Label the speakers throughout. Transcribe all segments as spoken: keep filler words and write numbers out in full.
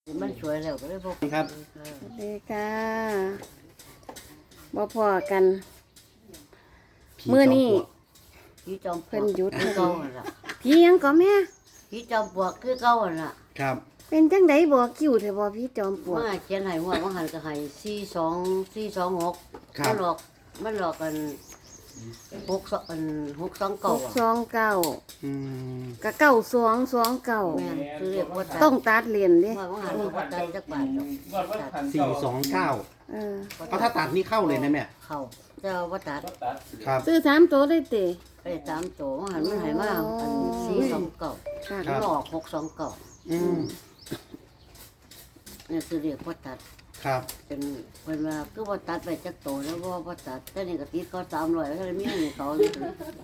Speaker 1: มันสวยแล้วก็เลยพก
Speaker 2: ครับ
Speaker 3: สวัสดีค่ะบ่พอกัน
Speaker 2: ผี
Speaker 3: มื้อนี้
Speaker 1: พี่จอมปลวก
Speaker 3: เพิ่นหยุด
Speaker 1: คือเก่าหั่นล่ะ
Speaker 3: พี่ยังก็แม่
Speaker 1: พี่จอมปลวกคือเก่าหั่นล่ะ
Speaker 2: ครับ
Speaker 3: เป็นจังไดบ่คิวแท้บ่พี่จอมปลวก
Speaker 1: มาเขียนให้ว่าว่าหันก็ให้สี่สองสี่สองหก
Speaker 2: ครั
Speaker 1: มั
Speaker 2: บ
Speaker 1: นหลอกมันหลอกกันหกสองอันหกสองเก่าอ่ะ
Speaker 3: สองเก้า
Speaker 2: อืม
Speaker 3: ก็เก้าสองสองเก้า
Speaker 1: แม่นคือเรียกว่าตัด
Speaker 3: ต้องตัดเหรียญเด้
Speaker 1: ว่าว่าหันก็ตัดจักบาทดอกตัด
Speaker 2: สี่สองเก้า
Speaker 3: เออ
Speaker 2: เอาถ้าตัดนี่เข้าเลยนะแม่
Speaker 1: เข้าแต่ว่าตัด
Speaker 2: ครับ
Speaker 3: ซื้อสามตัวได้เตะ
Speaker 1: ไปตามโตว่าหันมันให้มาอันสี่สองเก่า
Speaker 3: ค่ะ
Speaker 2: ครั
Speaker 1: มัน
Speaker 2: บ
Speaker 1: ออกหกสองเก่า
Speaker 2: อืม
Speaker 1: นี่คือเรียกว่าตัด
Speaker 2: ครับ
Speaker 1: เป็นเพิ่นว่าคือว่าตัดไปจักโตแล้วบ่ว่าตัดแต่นี่ก็ติดเขาสามร้อยแล้วมีให้เขาอยู่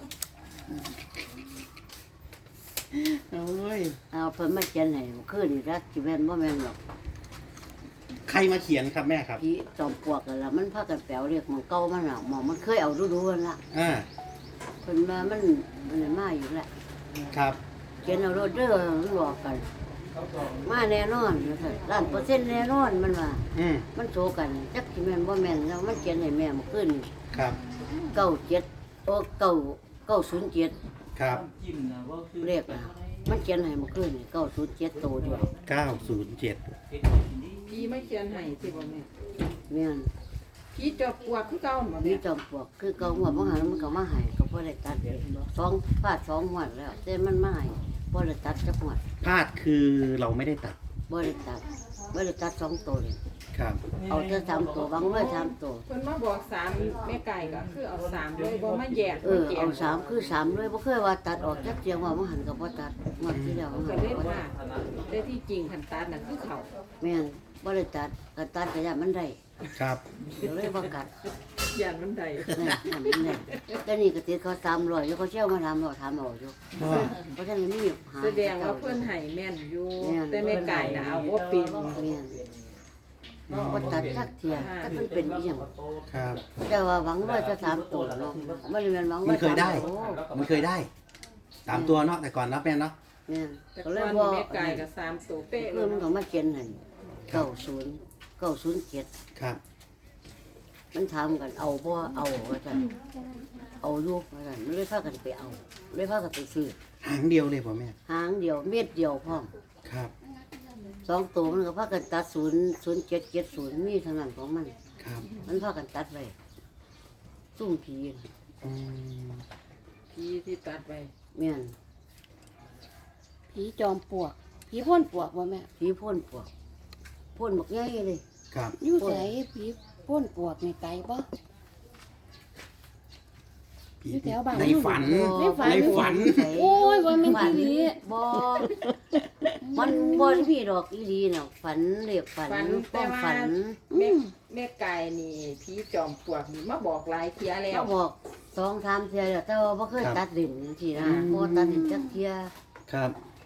Speaker 2: โอ้ย
Speaker 1: เอาเพิ่นมาเขียนให้คืนนี่รักสิแม่นบ่แม่นหรอก
Speaker 2: ใครมาเขียนครับแม่ครับ
Speaker 1: พี่จอมปลวกนั่นล่ะมันพากันแปลวเรียกหมองเก่ามันน่ะหมองมันเคยเอาดูๆนั่นล่ะ
Speaker 2: อ่า
Speaker 1: เพิ่นมามันมันได้มาอยู่แหละ
Speaker 2: ครับ
Speaker 1: เขียนเอาโรดเด้อมันบอกกัน มาแน่นอนว่าซั่นล้านเปอร์เซ็นต์แน่นอนมันว่า
Speaker 2: อืม
Speaker 1: มันโซกันจักสิแม่นบ่แม่นแล้วมันเขียนให้แม่เมื่อคืนนี่
Speaker 2: ครับ
Speaker 1: เก้าเจ็ดโอ้เก้าเก้าศูนย์เจ็ด
Speaker 2: ครับ
Speaker 1: เลขอ่ะมันเขียนให้เมื่อคืนนี่เก้าศูนย์เจ็ดโตเดียว
Speaker 2: เก้าศูนย์เจ็ด
Speaker 4: พี่ไม่เขียนให้สิบ่แม่
Speaker 1: แม่น
Speaker 4: พี่จอบปวกคือเก่าบ่
Speaker 1: มี
Speaker 4: แม่
Speaker 1: จอมปลวกคือเก่าหัวบ่หันมันก็มาให้ก็บ่ได้ตัดเลยสองพาดสองหัวดแล้วแต่มันมาให้บ่ได้ตัดจักหัวด
Speaker 2: พลาดคือเราไม่ได้ตัด
Speaker 1: บ่ได้ตัดบ่ได้ตัดสองตัวเลย
Speaker 2: ครับ
Speaker 1: เอาแต่สามตัวบางเลยสามตัว
Speaker 4: เพิ่นมาบอกสามแม่ไก่ก็คือเอาสามเลยบ่มาแยก
Speaker 1: เออเอาสามคือสามเลยบ่เคยว่าตัดออกจักเสียงว่าบ่หันก็บ่ตัดงวดที่แล้วบ่
Speaker 4: ก็
Speaker 1: หัน
Speaker 4: เลย
Speaker 1: ก็บ่
Speaker 4: ว่า
Speaker 1: ตัด
Speaker 4: แต่ที่จริงคันตัดน่ะคือเขา
Speaker 1: แม่นบ่ได้ตัดก็ตัดก็ย่ามันได้
Speaker 2: ครับ
Speaker 1: เดี๋ยวเลยบ่กัด
Speaker 4: ย่านมันใด
Speaker 1: นี่ทำมันได้แต่นี่ก็ติดเขาสามร้อยอยู่เขาเชี่ยวมาถามเราถามเอาอยู่
Speaker 2: ว่า
Speaker 1: เพราะฉะนั้นมีหา
Speaker 4: แสดงว่าเพิ่นให้แม่นอยู่แต่แม่ไก่น่ะเอาบ่เป็น
Speaker 1: แม่นบ่ตัดจักเที่ยถ้ามันเป็นอีหยัง
Speaker 2: ครับ
Speaker 1: แต่ว่าหวังว่าจะสามตัวเนาะไม่ได้แม่นหวัง
Speaker 2: มั
Speaker 1: ว่าน
Speaker 2: เคยได้
Speaker 1: สามตัว
Speaker 2: มันเคยได้สามตัวเนาะแต่ก่อนนะแม่เนาะ
Speaker 1: แม่น
Speaker 4: แต่
Speaker 1: ก็
Speaker 4: ก่
Speaker 1: เล
Speaker 4: อย น
Speaker 1: บ่
Speaker 4: แม่ไก่ก็สามตัวเป๊ะเล
Speaker 1: เพิ่
Speaker 4: ย
Speaker 1: นก็มาเขียนให้เก้าศูนย์เก้าศูนย์เจ็ด
Speaker 2: ครับ
Speaker 1: มันถามกันเอาบ่เอาว่าซั่นเอาอยู่ว่าซั่นมันเลยพากันไปเอาเลยพากันไปซื้อ
Speaker 2: หางเดียวเลยพ่อแม่
Speaker 1: หางเดียวเม็ดเดียวพร้อม
Speaker 2: ครับ
Speaker 1: สองตัวมันก็พากันตัดศูนย์ศูนย์เจ็ดเจ็ดศูนย์มีเท่านั้นของมัน
Speaker 2: ครับ
Speaker 1: มันพากันตัดไว้ซุ่มผีน่ะ
Speaker 2: อืม
Speaker 4: พี่ที่ตัดไว้
Speaker 1: แม่น
Speaker 3: ผีจอมปลวกผีพ่นปลวกบ่แม่
Speaker 1: ผีพ่นปวกพ่นบักใหญ่เลย
Speaker 2: ครับ
Speaker 3: อยู่ไสผีพ่นปลวกนี่ไกลบ่
Speaker 2: ผี
Speaker 3: อยู่แถวบ้าน
Speaker 2: ในฝัน
Speaker 3: ในฝัน
Speaker 2: ในฝัน
Speaker 3: โอ้ยบ่แม่น
Speaker 1: ฝัน
Speaker 3: อีหลี
Speaker 1: บ่มันบ่ได้มีดอกอีหลีน่ะฝันเรียกฝันความฝัน
Speaker 4: แม่แม่ไก่นี่พี่จอมปลวกนี่มาบอกหลายเที่ยแล้ว
Speaker 1: เขาบอกสองสามเที่ยแล้วแต่ว่าบ่เคยตัดดินจังซี่นะบ่ตัดดินจักเที่ย
Speaker 2: ครับ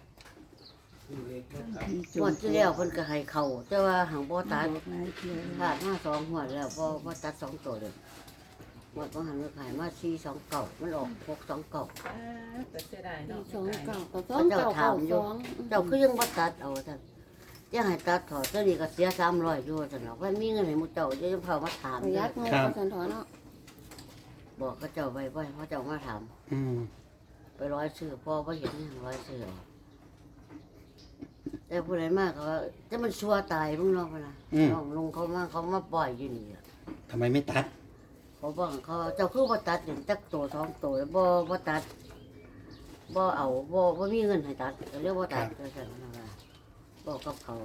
Speaker 1: งวดที่แล้วเพิ่นก็ให้เข้าแต่ว่าหังบ่ตัดพลาดมาสองหัวดแล้วบ่บ่ตัดสองตัวเลยงวดบ่หันก็ขายมาสี่สองเก้ามันออกหกสองเก้า
Speaker 4: อ่าแต่เสียดาย
Speaker 3: ผี
Speaker 4: เนาะ
Speaker 3: สอง
Speaker 4: แม่ไก่
Speaker 3: เก้าก็สองเก้าเก้าสอง
Speaker 1: เจ้าคือยังบ่ตัดเอาท่านจะให้ตัดถอดตัวนี้ก็เสียสามร้อยอยู่ซั่นเนาะว่ามีเงินให้หมู่เจ้าจะเข้ามาถาม
Speaker 3: ประหยัดเงินก็สันถอนเนาะ
Speaker 1: บอกเขาเจ้าไว้ไว้เขาเจ้ามาถาม
Speaker 2: อืม
Speaker 1: ไปร้อยซื้อพ่อบ่เห็นหยังร้อยซื้อเอาแต่ผู้ใดมากก็ว่าจะมันชัวตายมึงเนาะพุ่นน่ะน้องลุงเขามาเขามาปล่อยอยู่นี่อะ
Speaker 2: ทำไมไม่ตัด
Speaker 1: เขาบอกเขาเจ้าคือบ่ตัดอย่างจักตัวสองตัวบ่บ่ตัดบ่เอาบ่บ่มีเงินให้ตัดก็เรียกว่าตัดก็ซั่นนะว่าบอกกับเขา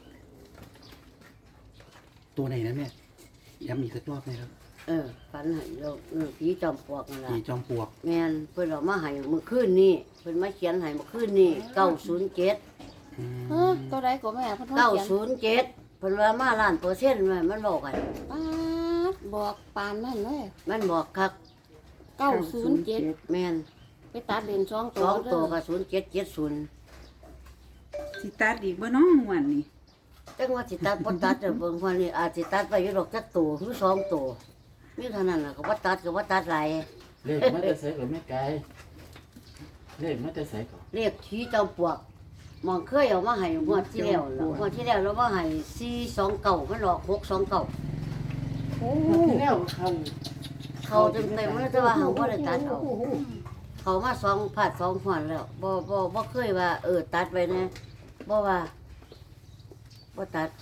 Speaker 2: ตัวไหนนะแม่ย้ำอีกสักรอบไหมครับ
Speaker 1: เออฝันให้เราเออผีจอมปลวกนั่นล่ะ
Speaker 2: ผีจอมปลวก
Speaker 1: แม่นเพิ่นเอามาให้เมื่อคืนนี้เพิ่นมาเขียนให้เมื่อคืนนี้เก้าศูนย์เจ็ด
Speaker 2: อืม
Speaker 3: เออตัวใดก็แม่เพิ่น
Speaker 1: เก้า
Speaker 3: เขียน
Speaker 1: ศูนย์เจ็ดเพิ่นว่ามาล้านเปอร์เซ็นต์แม่มันบอกกัน
Speaker 3: ป๊าดบอกปานนั่นเลย
Speaker 1: มันบอกคัก
Speaker 3: เก้าศูนย์เจ็ด
Speaker 1: แม่น
Speaker 3: ไปตัดเลนสอง
Speaker 1: ส
Speaker 3: ตัว
Speaker 1: องตัว
Speaker 3: เด้
Speaker 1: ก็ศูนย์เจ็ดเจ็ดศูนย์
Speaker 5: สิตัดอีกบ่น้องม่วันนี่
Speaker 1: จังว่าสิตัดบ่ตัดเด้อเบิ่งว่านี่อาจสิตัดไปอยู่ดอกจักตัวหรือสองตัวมีเท่านั้นล่ะก็บ่ตัดก็บ่ตัดหลาย
Speaker 6: เลขมันจะใส่กับแม่ไก่เลขมันจะใส่กับ
Speaker 1: เรียกผีจอมปลวกหมองเคยเอามาให้งวดที่แล้วล่ะงวดที่แล้วเรามาให้สี่สองเก้ามันออกหกสองเก้า
Speaker 3: โอ้
Speaker 5: ที่แล้วเขา
Speaker 1: เขาเต็มเต็มเลยแต่ว่าเขาบ่ได้ตัดเอาเขามาสองผาดสองหวนแล้วบ่บ่บ่เคยว่าเออตัดไว้นะบ่ว่าบ่ตัด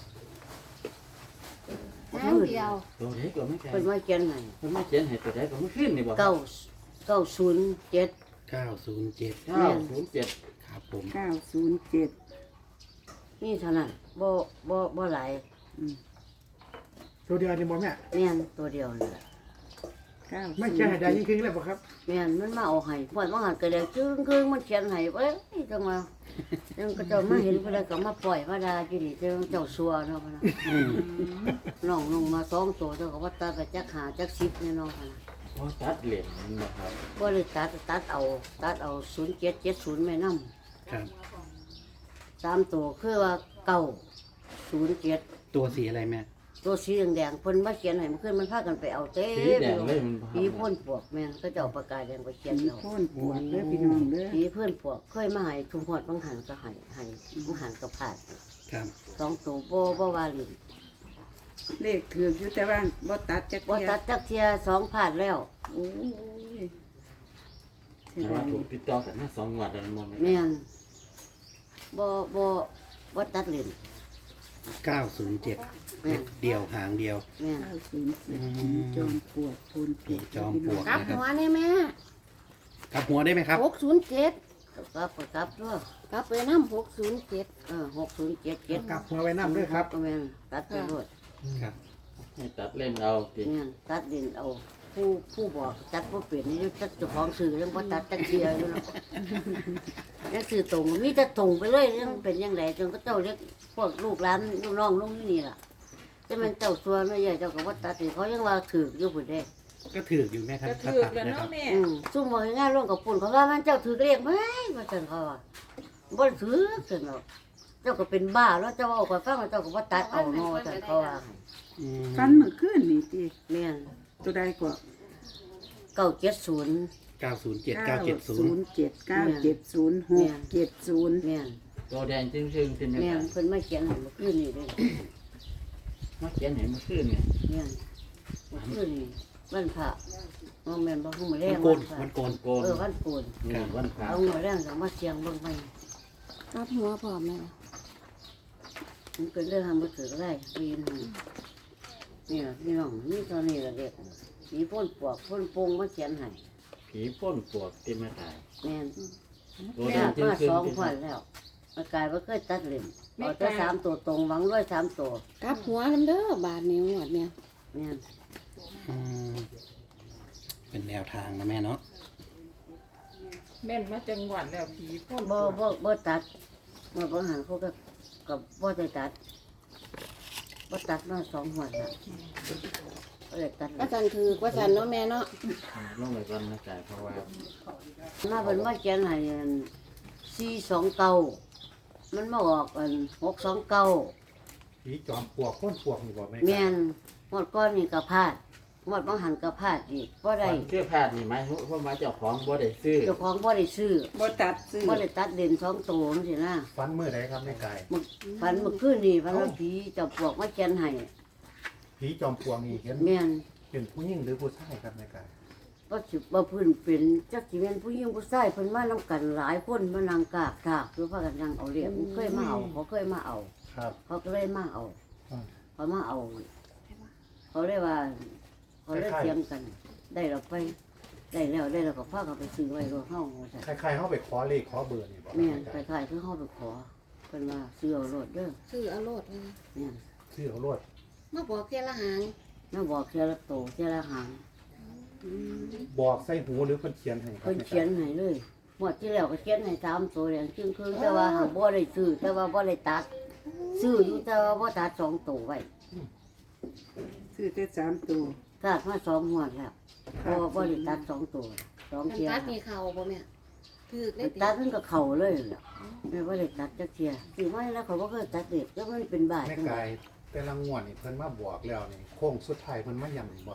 Speaker 3: น้ำเดียว
Speaker 6: ตัวไหนก็ไม่ใช่
Speaker 1: เพิ่นว่าเขียนให้
Speaker 6: มันไม่เขียนให้ตัวไหนก็ไม่ขึ้นนี่บ่
Speaker 1: เก้าเก้าศูนย์เจ็ด
Speaker 2: เก้าศูนย์เจ็ด
Speaker 6: เก้าศูนย์เจ็ด
Speaker 2: ครับผม
Speaker 5: เก้าศูนย์เจ็ด
Speaker 1: นี่เท่านั้นบ่บ่บ่หลาย
Speaker 7: ตัวเดียวนี่บ่แม่
Speaker 1: แม่นตัวเดียวนี่ล่ะ
Speaker 5: เก้า
Speaker 7: ไม่เขียนให้ได้ยิ่งขึ้นเลยบ่ครับ
Speaker 1: แม่นมันมาเอาให้ปล่อยมาหันก็แล้วจึ้งครึ่งมันเขียนให้เว้ยจังว่าจังก็เจ้ามาเห็นเพิ่นแล้วก็มาปล่อยมาด่าอยู่นี่เจ้าเจ้าซัวเนาะพะนะ
Speaker 2: อืม
Speaker 1: น้องลงมาสองตัวเจ้าก็ว่าตัดไปจักหาจักสิบแน่นอนพะนะ
Speaker 6: เพราะตัดเหรียญมันบ่ครับ
Speaker 1: บ่ได้ตัดตัดเอาตัดเอาศูนย์เจ็ดเจ็ดศูนย์แม่นำ
Speaker 2: ครับ
Speaker 1: สามตัวคือว่าเก้าศูนย์เจ็ด
Speaker 2: ตัวสีอะไรแม่
Speaker 1: ตัวสีแดงๆเพิ่นมาเขียนให้มันขึ้นมันพากันไปเอาเต็
Speaker 6: สี
Speaker 1: ม
Speaker 6: แดงเลยมันบ่
Speaker 1: ผีพ่นปวกแม่นก็เจ้าปากกาแดงไปเขียน
Speaker 5: ผี
Speaker 1: เอา
Speaker 5: โค่นปวดเด้อพี่น้องเด้อ
Speaker 1: ผีเพื่อนปวกเคยมาให้ทุกหอดบางหันก็ให้ให้บางหันก็ผ่าน
Speaker 2: ครับ
Speaker 1: สองตัวบ่บ่ว่าหลิ
Speaker 5: เลขถืออยู่แต่ว่าบ่ตัดจัก
Speaker 1: บ่
Speaker 5: เที่ย
Speaker 1: ตัดจักเทียสองผ่านแล้ว
Speaker 5: โอ้ยเสีย
Speaker 6: แต่
Speaker 5: ดา
Speaker 6: ว่าย ถูกติดต่อกันมาสองงวดแล้วมันบ่
Speaker 1: แม่นบ่บ่บ่ตัดหลิน
Speaker 2: เก้าศูนย์เจ็ด
Speaker 1: แม่น
Speaker 2: เดียวหางเดียว
Speaker 1: แม่น
Speaker 5: เก้าศูนย์เจ็ดผีจอมปวดพูน
Speaker 2: ผีจอมปลวก
Speaker 3: กลับหัวนี่แม่
Speaker 2: กลับหัวได้ไหมครับ
Speaker 3: หกศูนย์เจ็ด
Speaker 1: กลับก็กลับด้วย
Speaker 3: กลับไปน้ำหกศูนย์เจ็ด
Speaker 1: เออหกศูนย์เจ็ดเจ็ด
Speaker 7: กลับหัวไว้น้ำด้วยครับ
Speaker 1: ก็แม่นตัดไปโลด
Speaker 2: ครับ
Speaker 6: ให้ตัดเล่นเอาติ
Speaker 1: แม่นตัดดินเอาผู้ผู้บอกตัดบ่เป็นนี่ตัดเจ้าของซื้อยังบ่ตัดจักเทียอยู่เนาะ ยังซื้อตรงมีแต่ตรงไปเลยยังเป็นยังไงจนก็เจ้าเรียกพวกลูกหลานลูกน้องลูกนี่ล่ะแต่มันเจ้าส่วนไม่ใหญ่เจ้าก็ว่าตัดสิเขายังว่าถืออยู่พุ่นเด้
Speaker 2: ก็ถืออยู่แม่ครับ
Speaker 4: ก็
Speaker 2: ถ้า
Speaker 4: ถือ
Speaker 2: ตัด
Speaker 4: แล้ว
Speaker 2: นะค
Speaker 4: เนาะ
Speaker 2: รับ
Speaker 4: แม่
Speaker 1: อืมซุ่มบ่ให้งานร่วมกับปุ่นเขาว่ามันเจ้าถือเรียกไหมว่าจังเขาว่าบ่ได้ถือจังเนาะเจ้าก็เป็นบ้าแล้วเจ้าเอาก็ฟังแล้วเจ้าก็ว่าตัดเอาเนาะจังเขาว่า
Speaker 2: อืม
Speaker 5: ฟันเมื่อคืนนี่ติ
Speaker 1: แม่น
Speaker 5: ตัวใดกว่า
Speaker 1: เก้าเจ็ดศูนย์
Speaker 2: เก้าศูนย์เจ็ดเก้าเจ็ดศูนย์
Speaker 5: เจ็ดเก้าเจ็ดศูนย์หกเจ็ดศูนย์
Speaker 1: แม่น
Speaker 6: ตัวแดงจึงๆที่แม่
Speaker 1: แม่นเพิ่นมาเขียนให้เมื่อคืนนี้เด้
Speaker 6: มาเขียนให้มันขึ้นเนี่ย
Speaker 1: แม่นเมื่อคืนนี้วันพระบ่แม่นบ่ฮู้มื้อแร
Speaker 2: มั
Speaker 1: ง
Speaker 2: นโกน
Speaker 1: พระ
Speaker 2: มันโกน
Speaker 6: โกน
Speaker 1: เออวันโกน
Speaker 6: นี่วันพระ
Speaker 1: เอามื้อแรงก็มาเสียงเบิ่งไป
Speaker 3: กลับหัวพร้อมแม่
Speaker 1: มันเป็นเรื่องทำมาถือก็ได้ปีนงนี่ล่ะพี่น้องนี่ตอนนี้ละเด็กมีพ่นปวกพ่นปงมาเขียนให้
Speaker 6: ผีพ่นปวกที่ไม่ตาย
Speaker 1: แม่น
Speaker 6: ตัวแด
Speaker 1: แม่
Speaker 6: งจึง
Speaker 1: มา
Speaker 6: ๆ
Speaker 1: สอง
Speaker 6: ที่
Speaker 1: ขวัญแล้วมากลายว่าเคยตัดเล่นเอาแต่สามตัวตรงหวังด้วยสามตัว
Speaker 3: กลับหัวน้ำเด้อบาทนิ้วหมดเนี่ย
Speaker 1: แม่น
Speaker 2: อืมเป็นแนวทางนะแม่เนาะ
Speaker 4: แม่นมาจังหวัดแล้วผีพ่น
Speaker 1: บ่บ่บ่ตัดเมื่อบ่หันเขาก็กับบ่ได้ตัดบ่ตัดมาสองหัวละก็เลยตัด
Speaker 3: ว่าสันถือว่าสันเนาะแม่เนาะ
Speaker 6: ลงไปก่อนนะจ๊ะเพราะว่า
Speaker 1: มาเป็นมาเขียนให้สี่สองเก้ามันมาออกอันหกสองเก้า
Speaker 7: ผีจอมปลวกพ่นปลวกนี่บ่แม่
Speaker 1: แม่นหมดก้อนนี่ก็พลาดหมดบางหันก็พลาดอีกบ่ได้
Speaker 6: เชื่อพลาดนี่ไหมเพราะว่าเจ้าของบ่ได้ซื้อ
Speaker 1: เจ้าของบ่ได้ซื้อ
Speaker 5: บ่ตัดซื้อ
Speaker 1: บ่ได้ตัดเด่นสองตัวจังซี่นะ
Speaker 7: ฟันมือใดครับแม่กาย
Speaker 1: มึกฝันเมื่อคืนนี่ฝันว่าผีเจ้าปลวกมาเขียนให้
Speaker 7: ผีจอมปลวกนี่เห็น
Speaker 1: แม่น
Speaker 7: เป็นผู้หญิงหรือผู้ชายครับแม่กาย
Speaker 1: บ่สิบ่เพิ่นเป็นจักสิเป็นผู้หญิงผู้ชายเพิ่นมานํกันหลายคนมานั่งกากถากคือพากันนั่งเอาเรียกเคยมาเอาเขาเคยมาเอา
Speaker 7: ครับ
Speaker 1: เขาก็เลยมาเอา
Speaker 7: อืม
Speaker 1: เขามาเอา เขาเลยว่า เขาเลยเถียงกัน ได้เราไป ได้แล้วได้แล้วก็พากันไปซื้อไว้รถเฮาว่าซั่น
Speaker 7: ใครๆเขาไปขอเลขขอเบอร์นี่บ่
Speaker 1: แม่น
Speaker 7: แม่
Speaker 1: ไป
Speaker 7: กาย
Speaker 1: ขายคือเฮาไปขอเพิ่นว่าซื้อเอารถเด้อ
Speaker 3: ซื้อเอาโลดเลย
Speaker 1: แม่น
Speaker 7: ชื่อเขารวด
Speaker 3: มาบอกเพียละหาง
Speaker 1: มาบอกเทียละโตเทียละหาง
Speaker 7: บอกใส่หูหรือเพิ่นเขียนให้ครับ
Speaker 1: เพิ่น
Speaker 7: แม่
Speaker 1: เขีย
Speaker 7: กาย
Speaker 1: นให้เลยหมดที่แล้วก็เขียนให้สามตัวอย่างจึงคือแต่ว่าหาบ่ได้ซื้อแต่ว่าบ่ได้ตัด ซื้ออยู่แต่ว่าบ่ตัดสองตัวไว้
Speaker 5: ซื้อแต่สามตัว
Speaker 1: ตัดมาสองหัวดแล้วเพราะว่าบ่ได้ตัดสองตัวสอง
Speaker 3: กัน
Speaker 1: เทีย
Speaker 3: ตัดมีเข่าบ่แม่ถือได้
Speaker 1: มัน
Speaker 3: ติ
Speaker 1: ตัดมันก็เข้าเลยล่ะไม่ว่าได้ตัดจักเทียซื้อมาแล้วเขาบ่เคยตัดเด็กแล้วมันเป็นบาด
Speaker 7: แม่
Speaker 1: จังได๋
Speaker 7: กายแต่ละงวดนี่เพิ่นมาบอกแล้วนี่โค้งสุดท้ายเพิ่นมาย้ำบ่ครับ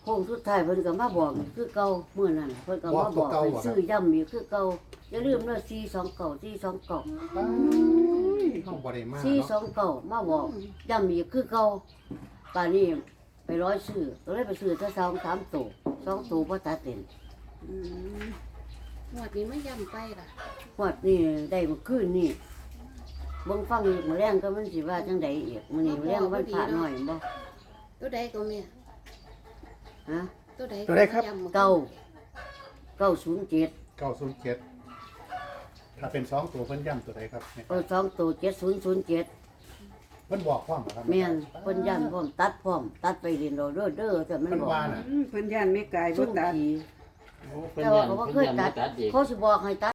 Speaker 1: โค้งสุดท้ายเพิ่นก็มาบอกอีกคือเก่ามื้อนั้นเพิ่นก็มาบอกให้ซื้อย้ำอีกคือเก่าอย่าลืมเด้อสี่สองเก้า สี่สองเก้า
Speaker 7: ห้องบ่ได้มา
Speaker 1: สี่สอ
Speaker 7: เนาะ
Speaker 1: งเก้ามาบอกย้ำอีกคือเก่าป่านนี้ไปร้อยซื้อก็เลยไปซื้อถ้าสองสามตัวสองตัวบ่ตัดเต็น
Speaker 3: อืมงวดนี้ไม่ย่ำไปล่ะ
Speaker 1: ฮอดนี่ได้เมื่อคืนนี่เบิ่งฟังอีกมื้อแรงก็มันสิว่าจังไดอีกมื้อนี้มื้อแรงวันพระน้อยบ่
Speaker 3: ตัวใดก็แม่
Speaker 1: ฮะ
Speaker 3: ตัวใด
Speaker 7: ตัวใดครับ
Speaker 3: ย่ำ
Speaker 1: เก้าเก้าศูนย์เจ็ด
Speaker 7: เก้าศูนย์เจ็ดถ้าเป็นสองตัวเพิ่นย้ำตัวใดครับเนี่ย
Speaker 1: เออสองตัวเจ็ดศูนย์ศูนย์เจ็ด
Speaker 7: เพิ่นบอกความเหรอครับ
Speaker 1: แม่นเพิ่นยันพร้อมตัดพร้อมตัดไปเรียนเราเด้อเด้อแต่มัน
Speaker 7: เพิ่น
Speaker 1: บอก
Speaker 7: ว่าน่ะ
Speaker 5: อืมเพิ่นย่านแม่กายบ่
Speaker 1: สู้
Speaker 5: ตัด
Speaker 1: ผี
Speaker 6: โอ้เพิ่น
Speaker 1: แต่
Speaker 6: ยั
Speaker 1: ว่าน เขาบ่เค
Speaker 6: เพิ่น
Speaker 1: ย
Speaker 6: ยัน
Speaker 1: ตั
Speaker 6: มา
Speaker 1: ด
Speaker 6: ตัดอีก
Speaker 1: เขาสิบอกให้ตัด